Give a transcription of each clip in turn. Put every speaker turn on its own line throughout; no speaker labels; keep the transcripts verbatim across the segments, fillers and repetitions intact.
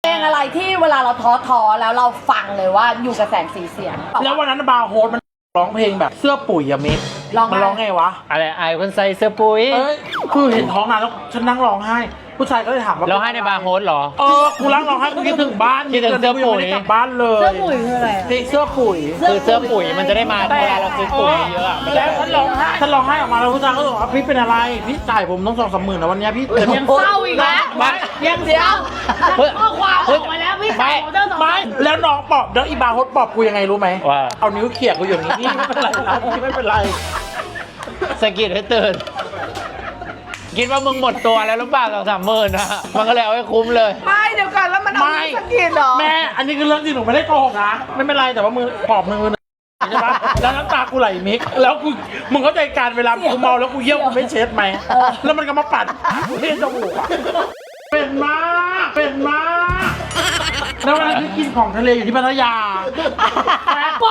งอะไรที่เวลาเราท้อท้อแล้วเราฟังเลยว่าอยู่กับแสงสีเสียง
แล้ววันนั้นบาร์โฮสมันร้องเพลงแบบเสื้อปุ๋ยอะมิกมันร้องไงวะ
อะไรไอคนใส่เสื้อปุ๋ย
เอ้ยคือเห็นท้องนานแล้วฉันนั่งร้องไห้ผู้ชายก็เลยถามว่า
ร้องไห้ในบาร์โฮสเหรอ
เออกูนั่งร้องไห้กูคิดถึงบ้าน
คิดถึงเสื้อปุ๋ย
กลับบ้านเลย
เสื้อปุ๋ยคืออะไร
เสื้อปุ๋ย
คือเสื้อปุ๋ยมันจะได้มาเวลาเราซื้อปุ๋ยเยอะ
แล้วฉันร้องไห้ฉันร้องไห้ออกมาแล้วผู้ชายก็บอกว่าพี่เป็นอะไรพี่จ่ายผมต้องสองสามหมื่นนะวันนี้พี่
ยังเศร้าอีกแล้วยังเดียวข้อความออกมาแล้วพี่ไม่
ไม่แล้วน้องปอบแล้วอีบาร์โฮสปอบกูยังไงรู้ไหม
ว่า
เอานิ้วเขี่ยกูอย่างนี้นี่ไม่เป็นไรนะนี่ไม่เป็นไร
สะกิดให้ตื่นคิดว่ามึงหมดตัวแล้วหรือเปล่าสองสามหมื่นนะมันก็เลยเอาให้คุ้มเลย
ไม่เดี๋ยวก่อนแล้วมันเอาไม่สกินหรอ
แม่อันนี้คือเรื่องจริงหนูไม่ได้โกหกนะไม่เป็นไรแต่ว่ามือปอบมือใช่ปะแล้วน้ำตากูไหลมิกแล้วกูมึงเข้าใจการเวลากูเมาแล้วกูเยี่ยวกูไม่เช็ดไหมแล้วมันก็มาปัดเล่นจมูกเป็นมากเป็นมากแล้วเวลาที่กินของทะเลอยู่ที่พัทยาไป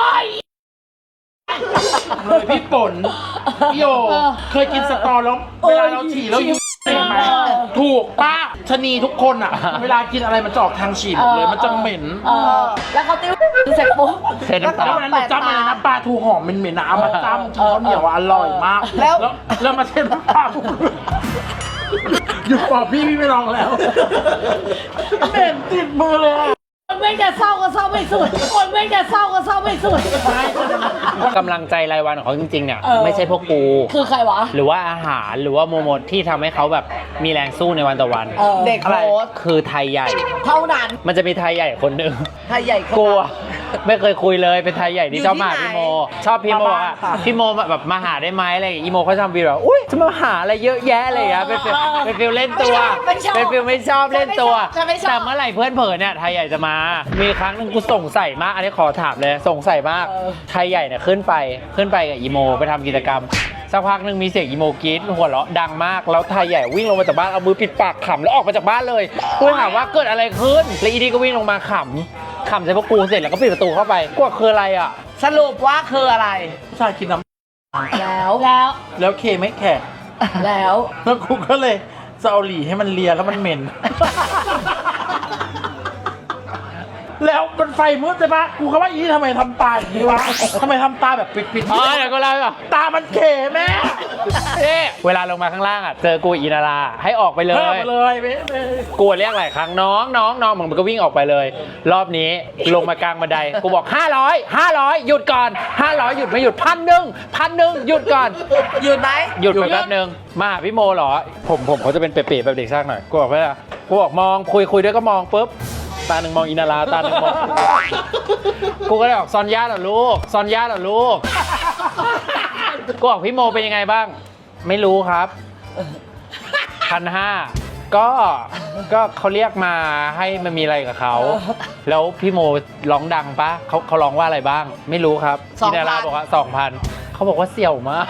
เลยพี่ป่นพี่โยเคยกินสตอแล้วเวลาเราฉี่แล้วยุ่งเห็นไหมถูกป้าชนีทุกคนอ่ะเวลากินอะไรมันจะออกทางฉี่เลยมันจะเหม็น
แล้วเขาติ้วเสร็จปุ๊บ
แล้ว
ตอนนั้นหนูจำอะไรนะปลาทูหอมเหม็นๆนะเอามาจ้ำกินข้าวเหนียวอร่อยมากแล้วแล้วมาเช็ดน้ำปลาหยุดปอบพี่พี่ไม่ลองแล้วเหม็นติดมือเลย
คนไม่จะเศร้าก็เศร้าไม่สุดคนไม่จะเศร้าก็เศร้าไม่สุด
กำลังใจรายวันของเขาจริงๆเนี่ยไม่ใช่พวกกู
คือใครวะ
หรือว่าอาหารหรือว่าโมโมที่ทำให้เขาแบบมีแรงสู้ในวันต่อวัน
เด็กโค้ช
คือไทยใหญ่
เท่านั้น
มันจะมีไทยใหญ่คนหนึ่ง
ไทยใหญ่
กลัวไม่เคยคุยเลยเป็นไทยใหญ่ที่ชอบมาพี่โมชอบพี่โมอ่ะพี่โมแบบมาหาได้ไหมอะไรอีโมเขาทำวีแบบอุ้ยจะมาหาอะไรเยอะแยะเลยอ่ะเป็นฟิลเป็นฟิลเล่นตัวเป็นฟิลไม่ชอบเล่นตัวแต่เมื่อไหร่เพื่อนเผลอเนี่ยไทยใหญ่จะมามีครั้งหนึ่งกูสงสัยมากอันนี้ขอถามเลยสงสัยมากไทยใหญ่เนี่ยขึ้นไปขึ้นไปกับอีโมไปทำกิจกรรมสักพักหนึ่งมีเสียงอีโมกรี๊ดหัวเราะดังมากแล้วไทยใหญ่วิ่งลงมาจากบ้านเอามือปิดปากขำแล้วออกมาจากบ้านเลยกูถามว่าเกิดอะไรขึ้นแล้วอีนี่ก็วิ่งลงมาขำขำใส่พวกกูเสร็จแล้วก็ปิดประตูเข้าไปกูคืออะไรอ่ะ
สรุปว่าคืออะไร
ผู้ชายกินน้
ำแล้วแล้ว
แล้วเคไม่แข็ง
แล้ว
แล้วกูก็เลยจะเอาหลีให้มันเลียแล้วมันเหม็นแล้วมันไฟมืดใช่ปะกูก็ว่าอีทำไมทำตาอย่างนี้วะทำไมทำตาแบบปิดๆ
อ๋อเดี๋ยวก็เล่าอ่ะ
ตามันเขแม่
เวลาลงมาข้างล่างอ่ะเจอกูอีนาราให้ออกไปเลย
ออกไปเลย
กูเรียกหลายครั้งน้องน้องน้องมันก็วิ่งออกไปเลยรอบนี้ลงมากลางบันไดกูบอกห้าร้อย ห้าร้อยหยุดก่อนห้าร้อยหยุดไม่หยุดพันหนึ่งพันหนึ่งหยุดก่อน
หยุดไหม
หยุดไปแป๊บนึงมาหาพี่โมเหรอผมผมเขาจะเป็นเป๋ๆแบบเด็กช่างหน่อยกูบอกว่ากูบอกมองคุยคุยด้วยก็มองปุ๊บตาหนึ่งมองอินาราตาหนึ่งมองกูก็เลยบอกซอนย่าเหรอลูกซอนย่าเหรอลูกกูบอกพี่โมเป็นยังไงบ้างไม่รู้ครับพันห้าก็ก็เขาเรียกมาให้มันมีอะไรกับเขาแล้วพี่โมร้องดังปะเขาเขาร้องว่าอะไรบ้างไม่รู้ครับอินาราบอกว่าสองพันเขาบอกว่าเสี่ยวมาก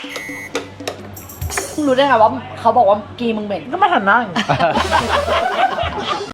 รู้ได้ไงว่าเขาบอกว่ากีมึงเหม็น
ก็มาหันหน้า